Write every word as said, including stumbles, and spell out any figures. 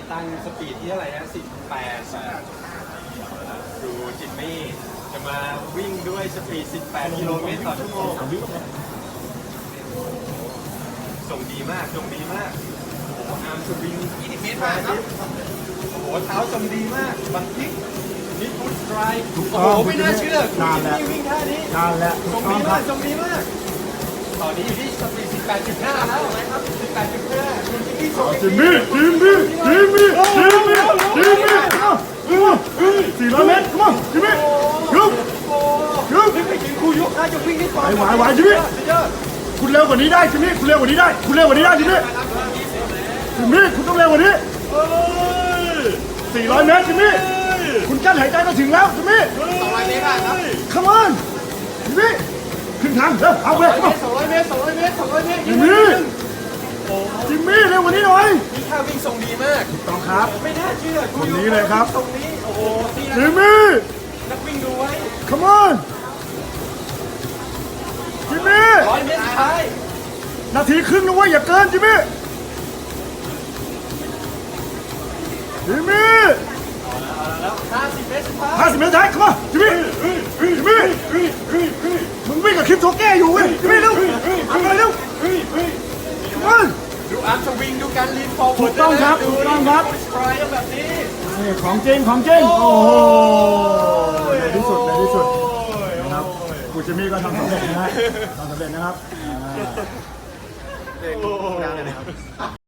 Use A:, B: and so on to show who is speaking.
A: ตั้งสปีดที่เท่าไหร่นะสิบแปดดูจิมมี่จะมาวิ่งด้วยสปีดสิบแปดกิโลเมตรต่อชั่วโมงส่งดีมากส่งดีมากโอ้โหอาร์มสวิงยี่สิบเมตรมากครับโอ้โหเท้าส่งดีมากบังทิกนิดพุทสไตร์โอ้โหไม่น่าเชื่อคุณจิมมี่วิ่งท่านี้
B: นานแล้ว
A: ส่งดีมากส่งดีมากตอนนี้อยู่ที่สปีดสิบแปดจุดห้าแล้วนะครับสิบแปดจุดห้าคุณจิมมี่ส่ง
B: จิมมี่จิมมี่จิมมี่จิมมี่จิมมี่สี่ร้อยเมตรมาจิมมี่ยุบ
A: โอ้ยุบไม่ถึงครูยกนะจะวิ่งได้ก่อน
B: ไหวไหวจิมมี่คุณเร็วกว่านี้ได้จิมมี่คุณเร็วกว่านี้ได้คุณเร็วกว่านี้ได้จิมมี่จิมมี่คุณต้องเร็วกว่านี้สี่ร้อยเมตรจิมมี่คุณกั้นหายใจมาถึงแล้วจิมมี่
A: สองร้อยเมตรครับ
B: come on จิมมี่ขึ้นทางเร็วเอาไป
A: สองร้อยเมตรสองร้อยเมตรสองร้อยเมตร
B: จิมมี่จิมมี่เร็วกว่านี้หน่อย
A: นี่ท่าวิ่งทรงดีมาก
B: ต้องครับ
A: ไม่น่าเชื่อ
B: คนนี้เลยครับ
A: ตรงนี้โอ้โหนี่
B: จิ
A: นะ
B: มมี่
A: นักวิ่งดูไว้
B: come on จิมมี่
A: ร้อยเมตรสุดท้าย
B: นาทีครึ่งนะเว้ยอย่าเกินจิมมี่จิมมี่
A: แล้วห้าสิบเมตรสุดท้าย
B: ห้าสิบเมตรท้ายเข้ามาจิมมี่จิมมี่มึงวิ่งกับคลิปโชแก้อยู่เว้ยจิมมี่เร็วทำอะไรเร็วมา
A: ดูอาร์มสวิงดูการลีนฟอร์เวิ
B: ถู
A: ร์ด
B: กต้องครับถูกต้องครับ
A: สไตร์แบบนี้
B: นี่ของจริงของจริงโอ้โหในที่สุดในที่สุดนะครับกูจิมมี่ก็ทำสำเร็จนะฮะทำสำเร็จนะครับ
A: เด็กดังเลยนะครับ